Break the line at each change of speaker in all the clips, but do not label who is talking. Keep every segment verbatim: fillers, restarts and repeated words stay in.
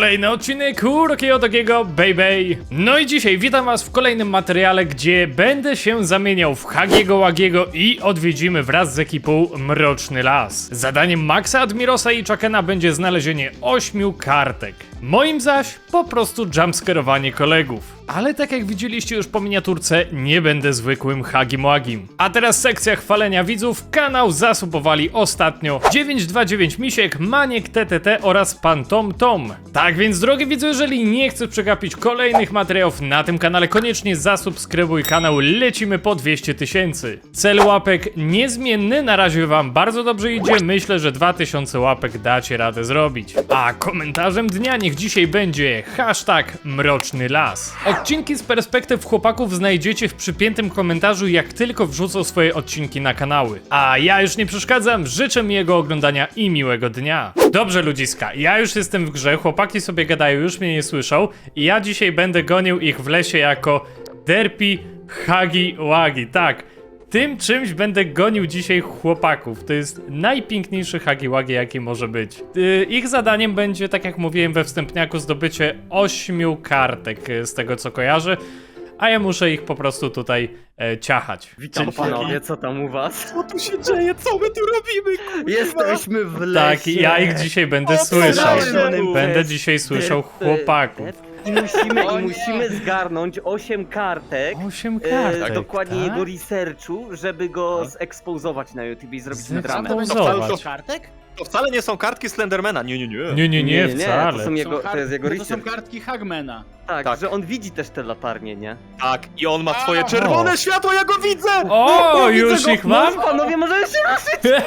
Kolejny odcinek Urokiego Takiego Baby. No i dzisiaj witam was w kolejnym materiale, gdzie będę się zamieniał w Hagiego Łagiego i odwiedzimy wraz z ekipą Mroczny Las. Zadaniem Maxa, Admirosa i Chakena będzie znalezienie ośmiu kartek. Moim zaś po prostu jumpscarowanie kolegów. Ale tak jak widzieliście już po miniaturce, nie będę zwykłym Hagim Łagim. A teraz sekcja chwalenia widzów. Kanał zasubowali ostatnio dziewięć dwa dziewięć Misiek, Maniek T T T oraz Pan Tom Tom. Tak więc drogi widzu, jeżeli nie chcesz przegapić kolejnych materiałów na tym kanale, koniecznie zasubskrybuj kanał, lecimy po dwieście tysięcy. Cel łapek niezmienny, na razie wam bardzo dobrze idzie, myślę, że dwa tysiące łapek dacie radę zrobić. A komentarzem dnia niech dzisiaj będzie hashtag Mroczny Las. Odcinki z perspektyw chłopaków znajdziecie w przypiętym komentarzu, jak tylko wrzucą swoje odcinki na kanały. A ja już nie przeszkadzam, życzę miłego oglądania i miłego dnia. Dobrze ludziska, ja już jestem w grze, chłopaki sobie gadają, już mnie nie słyszą i ja dzisiaj będę gonił ich w lesie jako Derpy Hagi Łagi, tak. Tym czymś będę gonił dzisiaj chłopaków. To jest najpiękniejszy Hagi Łagi, jaki może być. Yy, ich zadaniem będzie, tak jak mówiłem we wstępniaku, zdobycie ośmiu kartek, yy, z tego co kojarzę. A ja muszę ich po prostu tutaj e, ciachać.
Witam
Czyli-
panowie, co tam u was?
Co tu się dzieje? Co my tu robimy? Kurwa?
Jesteśmy w lesie.
Tak, i ja ich dzisiaj będę
O,
słyszał.
przerażony
Będę
przez
dzisiaj słyszał
derpy,
chłopaków.
I musimy,
O
i
nie.
musimy zgarnąć osiem kartek.
Osiem
e,
kartek,
dokładnie
tak?
jego researchu, żeby go zekspozować na YouTube i zrobić
Zekspozować.
dramę.
To będzie
Zobacz.
cały kartek? To wcale nie są kartki Slendermana, nie, nie, nie.
Nie, nie, nie,
to
wcale.
są jego,
Są
to jest jego
kart- to są
research.
kartki Hagmana.
Tak,
Tak.
że on widzi też te latarnie, nie?
Tak, i on ma swoje
A.
czerwone światło, ja go widzę!
O,
Widzę
już
go.
ich mam?
No, panowie, możemy się ruszyć!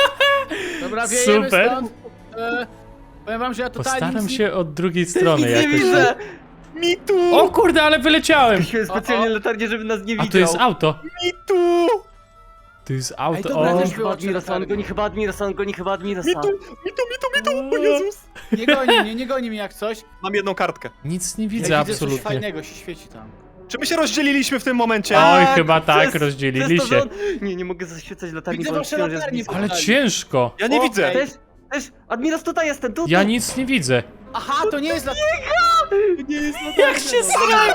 Dobra, wiejemy
Super.
stąd. E, powiem wam, że ja totalnie
Postaram
nic
się od drugiej strony
Nic nie
jakoś.
widzę!
Mi tu!
O kurde, ale wyleciałem!
Musimy specjalnie
O, o.
latarnię, żeby nas nie
A
widział.
to jest auto.
Mi tu!
To jest
Ej,
auto.
dobra,
O,
też-
Chyba Admirosa, on goni chyba Admirosa, on goni chyba Admirosa.
Mi tu, mi tu, mi tu, mi tu, o Jezus!
Nie goni mnie, nie goni mnie jak coś.
Mam jedną kartkę.
nic nie
Ja
widzę
widzę coś
absolutnie.
fajnego, się świeci tam.
Czy my się rozdzieliliśmy w tym momencie?
Oj,
Tak,
chyba tak,
przez-
rozdzielili
przez to,
się.
że on... Nie, nie mogę zaświecać latarni,
Widzę
bo on
wasze
wciąż jest
latarnie.
blisko.
Ale ciężko.
Ja nie
O,
widzę.
ej.
Też, też, Admiros, tutaj jestem, tu,
Ja
tu.
nic nie widzę.
Aha, to nie jest dla...
Nie jest
Jak się sra...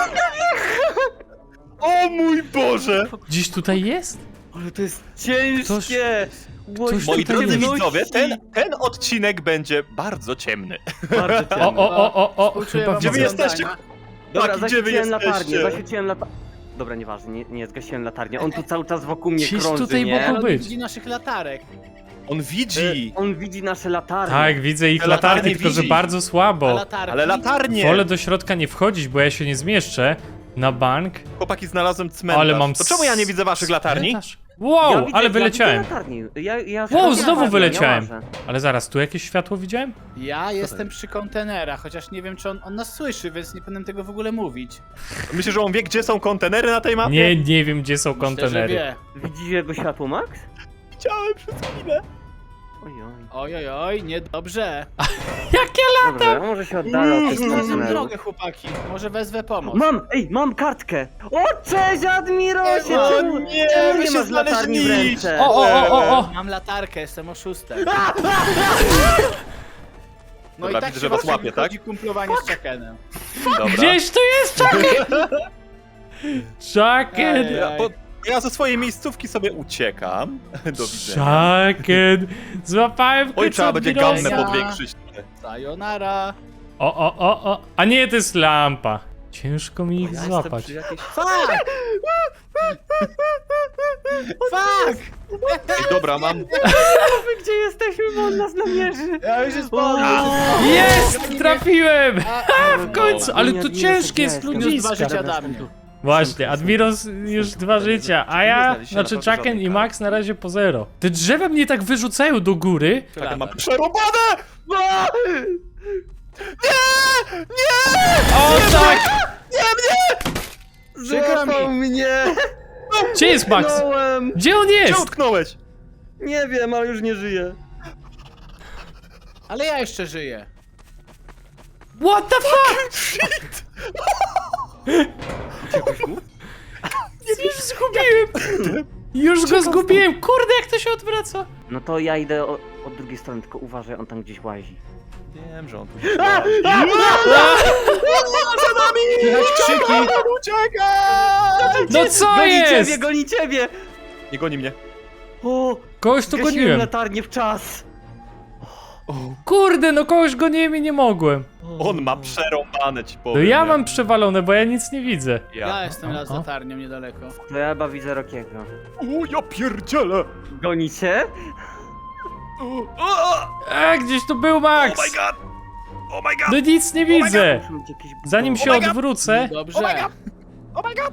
O mój Boże!
Gdzieś tutaj jest?
Ale to jest ciężkie!
ktoś
Moi
tutaj
drodzy
jest.
widzowie, ten, ten odcinek będzie bardzo ciemny.
Bardzo
O,
ciemny.
o, o, o, o,
Współczuję
chyba
wam
Gdzie wy
widzę.
oglądania.
jesteście?
Dobra,
Tak, gdzie wy
zaświeciłem latarnię,
jesteście?
zaświeciłem latarnię. Dobra, nieważne, nie, nie zgasiłem latarnię. On tu cały czas wokół mnie
Gdzieś
krąży,
tutaj
nie?
wokół-
Ale on
być.
widzi naszych latarek.
On widzi!
E, On widzi nasze latarnie.
Tak, widzę ich
Te latarnie
latarnie, tylko że
widzi.
bardzo
A
słabo.
latarki?
Ale latarnie!
Wolę do środka nie wchodzić, bo ja się nie zmieszczę na bank.
Chłopaki, znalazłem cmentarz.
Ale mam
To czemu ja nie widzę waszych latarni?
cmentarz? Wow,
Ja widzę-
ale
ja
wyleciałem.
widzę latarnię. Ja, ja
Wow,
szukam
znowu
latarni,
wyleciałem.
Ja łażę.
Ale zaraz, tu jakieś światło widziałem?
Ja jestem przy kontenerach, chociaż nie wiem, czy on, on nas słyszy, więc nie powinienem tego w ogóle mówić.
Myślę, że on wie, gdzie są kontenery na tej mapie?
Nie, nie wiem gdzie są
Myślę, że
kontenery.
wie.
Widzisz jego światło, Max?
Widziałem przez chwilę.
Ojoj.
Oj, oj, oj, niedobrze.
Jakie
Dobra, ja może się oddalę od tych
Znalazłem
kontenerów.
drogę, chłopaki. Może wezwę pomoc.
Mam, ej, mam kartkę! O, cześć Admirosie!
O
Czemu,
nie,
czemu
wy
nie
się
masz latarni w
znaleźli.
ręce?
O, o, o, o, o!
Mam latarkę, jestem oszustem. No
Dobra,
i tak
widzę,
się
że was
właśnie
łapie,
wychodzi kumplowanie z Chakenem.
Dobra.
Gdzieś tu jest Chucken! Chucken!
Ej,
Ja, bo ja ze swojej miejscówki sobie uciekam. Do widzenia.
Chucken! Złapałem w
Oj,
końcu
trzeba będzie
Admirosa.
gammę
Ja.
podwiększyć.
Sayonara.
O, o, o, o! A nie, to jest lampa. Ciężko mi ich
Ja jestem
złapać.
przy jakiejś...
Fuck! Fuck!
Ej, dobra, mam...
Wy gdzie jesteśmy, bo on nas namierzy?
Ja już jest
O,
po
Jest! Trafiłem!
A,
W końcu! Ale to ciężkie jest
Minus dwa
ludziska.
życia dla mnie.
Właśnie, Admiros już dwa życia, a ja, znaczy Chucken i Max na razie po zero. Te drzewa mnie tak wyrzucają do góry.
Tak, mam przerobane!
O tak!
Przykro mi.
Złapał mnie!
Gdzie jest Max?
Zginąłem!
Gdzie on
Gdzie
jest?
utknąłeś?
Nie wiem, ale już nie żyję.
Ale ja jeszcze żyję.
What the fuck? Już zgubiłem! Już go zgubiłem! Kurde, jak to się odwraca!
No to ja idę o, od drugiej strony, tylko uważaj, on tam gdzieś łazi.
Wiem, że on tu...
Słychać krzyki.
Uciekaj!
No co
Goni
jest?
ciebie, goni ciebie!
Nie goni mnie.
O,
Kogoś tu
zgasiłem
goniłem.
latarnię w czas.
Kurde, no kogoś goniłem i nie mogłem.
On ma przerąbane, ci
No
powiem.
ja
nie?
mam przewalone, bo ja nic nie widzę.
Ja jestem raz z
Aha.
latarnią niedaleko.
To ja chyba widzę Rockiego.
O, ja pierdzielę!
Gonicie?
A, gdzieś tu był Max!
Oh my god! Oh my god!
No nic nie widzę!
Muszę mieć jakieś
Zanim
buty.
się
Oh my God.
odwrócę...
Dobrze.
Oh my god!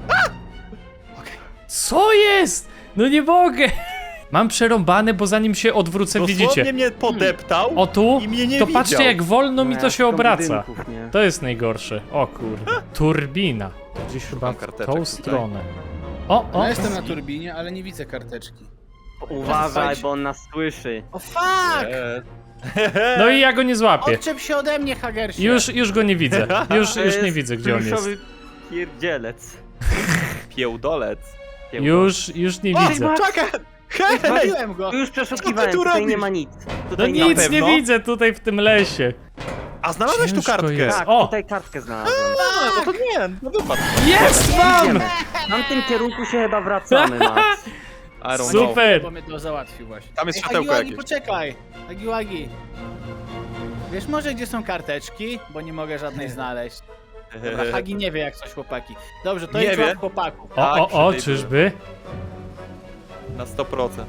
Co jest? No nie mogę! Mam przerąbane, bo zanim się odwrócę,
Dosłownie
widzicie.
mnie podeptał
O tu,
i mnie nie
to
widział.
patrzcie jak wolno mi
No
to
ja
się
szukam
obraca.
budynków, nie?
To jest najgorsze. O kurde. Turbina. To gdzieś chyba w
karteczek
tą
tutaj.
stronę. O,
No
o.
jestem na turbinie, ale nie widzę karteczki.
Uważaj, bo on nas słyszy.
O fuck!
Eee.
No i ja go nie złapię.
Odczep się ode mnie, Hagersie.
Już, już go nie widzę. Już,
To
już nie
jest
widzę, gdzie on jest.
pluszowy pierdzielec.
Piełdolec.
Kiełko.
Już, już nie
O,
widzę.
czekaj! Hej!
Zbawiłem go.
Tu już przeszukiwałem,
tu
tutaj
robisz?
nie ma nic.
No
Tutaj nie ma
nic nie
pewno?
widzę tutaj w tym lesie.
A znalazłeś tu
Ciężko
kartkę?
jest.
Tak,
O!
tutaj kartkę znalazłem.
A, no to nie, no wypadł.
Jest mam!
Idziemy. W tamtym kierunku się chyba wracamy, Max.
I don't know.
Super!
Bo mnie to załatwił właśnie.
Tam jest
Ej,
światełko
Hagiwagi,
jakieś.
poczekaj. Hagiwagi. Wiesz może gdzie są karteczki? Bo nie mogę żadnej znaleźć. Dobra, Hagi nie wie jak coś, chłopaki. Dobrze, to
Nie
jest
wie.
od chłopaków.
O,
Tak,
o, o,
przy tej
czyżby?
Na sto procent.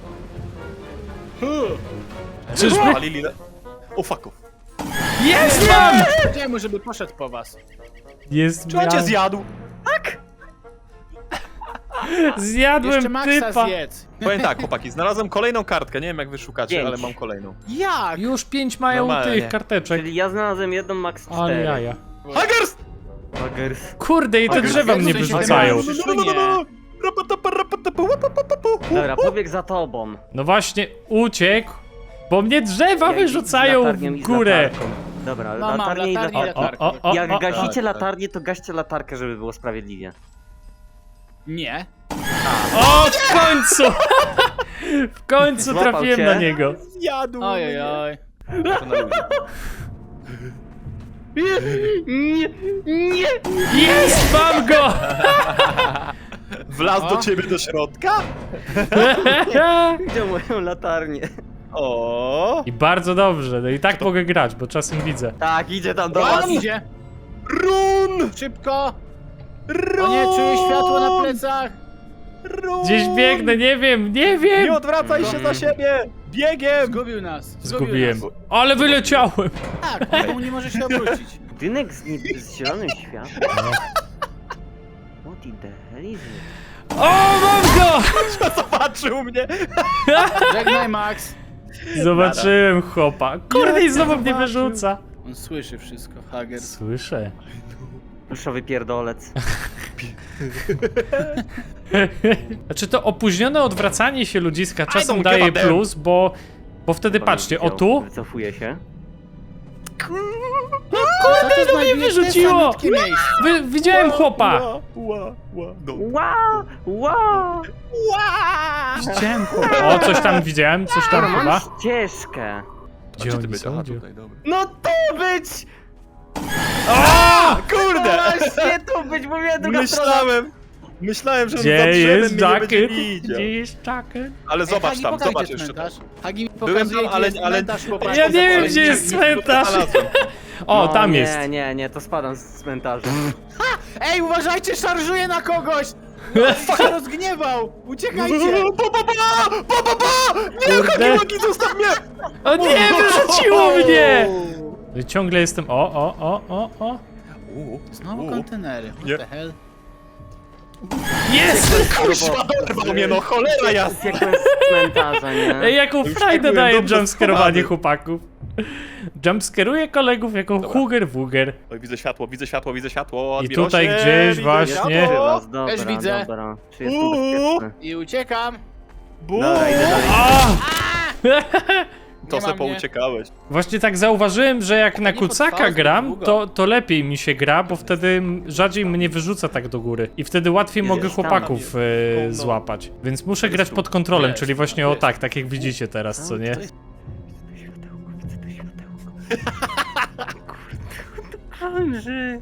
Czyżby?
Palili le... O fuck.
Jest mam!
Powiedziałem mu, żeby poszedł po was.
Jest
Czy on cię
mam.
zjadł?
Zjadłem
Jeszcze Maxa
typa.
zjedz.
Powiem tak, chłopaki, znalazłem kolejną kartkę, nie wiem jak wy szukacie,
Pięć.
ale mam kolejną.
Jak?
Już pięć mają
Normalnie.
tych karteczek.
Czyli ja znalazłem jedną, Max
Ale
cztery.
jaja.
Haggers!
Bagers.
Kurde, i te
Haggers,
drzewa mnie
w sensie
wyrzucają.
te małe.
Dobra, pobieg za tobą.
No właśnie, uciekł, bo mnie drzewa
Jak
wyrzucają
z latarnią
w
i z
górę.
latarką. Dobra,
No mam
latarnię i
latarnię i
latarkę.
O, o, o, o,
Jak
o.
gasicie
tak.
latarnię, to gaście latarkę, żeby było sprawiedliwie.
Nie.
O, w końcu! W końcu
Złapał
trafiłem
cię?
na niego.
Zjadł
Oj, oj, oj.
To na ludzi.
Nie, nie!
Jest, mam go!
Wlazł do
O.
ciebie do środka?
Gdzie moją latarnię?
O.
I bardzo dobrze, no i tak mogę grać, bo czasem widzę.
Tak, idzie tam do
O,
was.
on idzie.
Run!
Szybko.
Run!
O nie, czuję światło na plecach.
Run!
Gdzieś biegnę, nie wiem, nie wiem!
Nie odwracaj się za siebie! Biegiem!
Zgubił nas.
Zgubiłem.
Nas.
Ale wyleciałem!
Tak, on nie może się obrócić.
Budynek z, nieb- z zielonym światłem. What in the hell is it?
O, mam go!
Zobaczył mnie!
Żegnaj, Max.
Zobaczyłem chłopa. Kurde, i znowu mnie
zobaczył.
wyrzuca.
On słyszy wszystko, Hager.
Słyszę.
Pluszowy pierdolec.
Znaczy to opóźnione odwracanie się ludziska czasem
don't
daje
give a damn.
plus, bo, bo wtedy patrzcie, o tu,
Wycofuje się.
Kurde,
no mnie wyrzuciło. wy, widziałem chłopa.
Ła, ła, ła. No.
Wow! Wow!
Widziałem chłopa. O, coś tam widziałem, coś tam
Mam
chyba.
ścieżkę.
Gdzie
ty
oni
być?
są?
Aha,
Gdzie?
tutaj, dobra.
No to być!
A, kurde!
Właśnie to być, bo mnie druga strona.
Myślałem, myślałem, że on za
Gdzie
drzewem
jest
mnie nie będzie
jacket?
widział.
Gdzie jest jacket?
Ale zobacz
Hagi,
tam,
pokaż,
zobacz
gdzie
jeszcze tam.
cmentarz. Hagi mi
Byłem
pokazuje,
tam, ale-
gdzie jest
ale-
cmentarz, chłopaki.
Ja nie wiem,
Ale
gdzie
nie-
jest
nie-
cmentarz.
znalazłem.
O,
No,
tam
nie,
jest.
Nie, nie, nie, to spadam z cmentarza.
Ej, uważajcie, szarżuje na kogoś! On się rozgniewał! Uciekajcie!
Pa, pa, pa, pa, pa, pa! Nie,
Kurde.
Hagiwagi, zostaw mnie!
O nie, wyrzuciło mnie! No i ciągle jestem, o, o, o, o, o.
U,
Znowu
u.
kontenery, what
Nie.
the hell?
Jest!
Kuźwa, dorwał mnie, no cholera jasna!
Uciekłem z cmentarza, nie?
Ej, jaką
Już
frajdę
tak byłem
daje
dobrze
jumpscarowanie
schowany.
chłopaków. Jumpscaruję kolegów jako
Dobra.
huger wuger.
Oj, widzę światło, widzę światło, widzę światło.
I
Admirosie,
tutaj gdzieś
widzę
właśnie-
Widzę
światło.
was, dobra,
Też widzę.
dobra. Czy jestem
Uuu.
bezpieczny?
I uciekam!
Bu!
Dobra, idę dalej.
A!
To
Nie
se
ma mnie.
pouciekałeś.
Właśnie tak zauważyłem, że jak na
nie
kucaka
potrwało zbyt
gram,
długo.
to, to lepiej mi się gra, bo wtedy m- rzadziej mnie wyrzuca tak do góry. I wtedy łatwiej
Jest
mogę
tam,
chłopaków
jest.
e,
No, no.
złapać. Więc muszę
To
grać
jest tu.
pod kontrolą,
Jest,
czyli właśnie o
jest.
tak, tak jak widzicie teraz, co nie?
Widzę to światełko, widzę to światełko. Andrzy.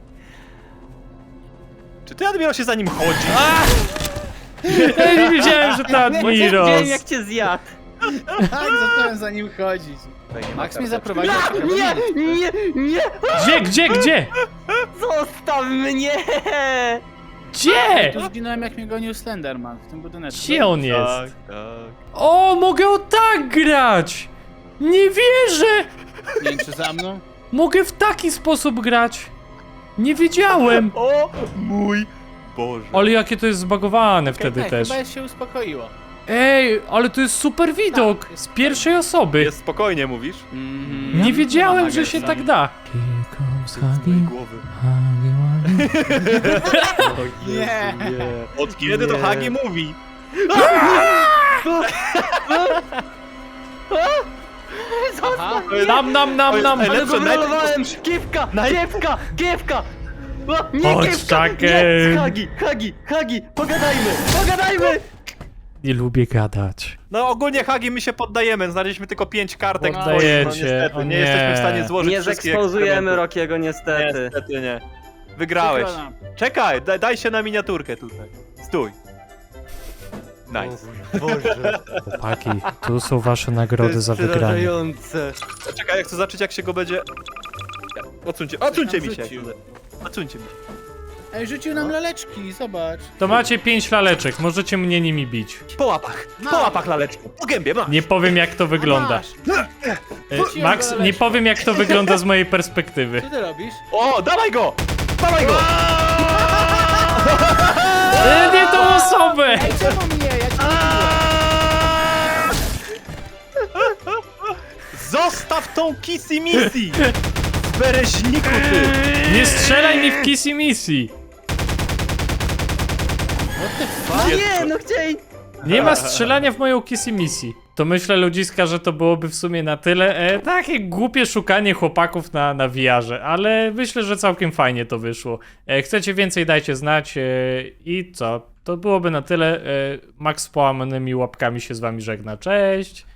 Czy ty, Admiro, się za nim chodzi?
Ja nie wiedziałem, że to
Widziałem,
Admiros.
jak cię zjadł.
Tak, zacząłem za nim chodzić. Max mnie zaprowadził.
No, nie, nie, nie!
Gdzie, gdzie, gdzie?
Zostaw mnie!
Gdzie?
Tu zginąłem, jak mnie gonił Slenderman w tym budynku.
Gdzie on
Tak,
jest?
tak.
O, mogę o tak grać! Nie wierzę!
Nie wiem, czy za mną?
Mogę w taki sposób grać. Nie wiedziałem.
O mój Boże.
Ale jakie to jest zbagowane wtedy
Okej,
też.
Chyba się uspokoiło.
Ej, ale to jest super widok.
Tak,
Z pierwszej osoby.
Jest spokojnie, mówisz?
Mhm.
Nie wiedziałem,
ma
że się
Nagersa.
tak da. Here comes
Z mojej głowy.
Nie.
Od kiedy to Hagi mówi?
Aha.
Nam, nam, nam, nam.
Ale
Ale
Lepsze,
wybrolowałem! Kiewka! Kiewka! Kiewka! O, nie,
Chodź,
kiewka!
Chucken.
Nie! Hagi! Hagi! Hagi! Pogadajmy! Pogadajmy!
Nie lubię gadać.
No ogólnie Hagi my się poddajemy, znaleźliśmy tylko pięć kartek.
Poddajecie,
no, niestety,
o
nie.
nie.
jesteśmy w stanie złożyć
Nie
wszystkich
zekspozujemy
eksperymentów.
Rockiego niestety.
Niestety nie. Wygrałeś.
Przykro nam.
Czekaj, daj, daj się na miniaturkę tutaj. Stój. Nice.
Chłopaki, tu są wasze nagrody za wygranie.
Przerażające.
Czekaj, jak chcę zobaczyć jak się go będzie... Odsuńcie, odsuńcie
nam
mi się.
rzucił.
Odsuńcie mi się.
Ej, rzucił nam laleczki, zobacz.
To macie pięć laleczek, możecie mnie nimi bić.
Po łapach, po
Masz.
łapach laleczką, po gębie, masz.
Nie powiem jak to wygląda.
Masz.
E, Max, nie powiem jak to wygląda z mojej perspektywy.
Co ty robisz?
O, dawaj go! Dawaj go!
E, nie tą osobę!
Ej, czemu mnie? Ja cię
Zostaw tą kissy missy! Z bereźniku ty!
Nie strzelaj mi w Kissy Missy!
No nie, no chcieli...
Nie ma strzelania w moją Kissy Missy. To myślę, ludziska, że to byłoby w sumie na tyle. E, takie głupie szukanie chłopaków na, na V R-ze, ale myślę, że całkiem fajnie to wyszło. E, chcecie więcej, dajcie znać. E, I co? To byłoby na tyle. E, Max z połamanymi łapkami się z wami żegna. Cześć!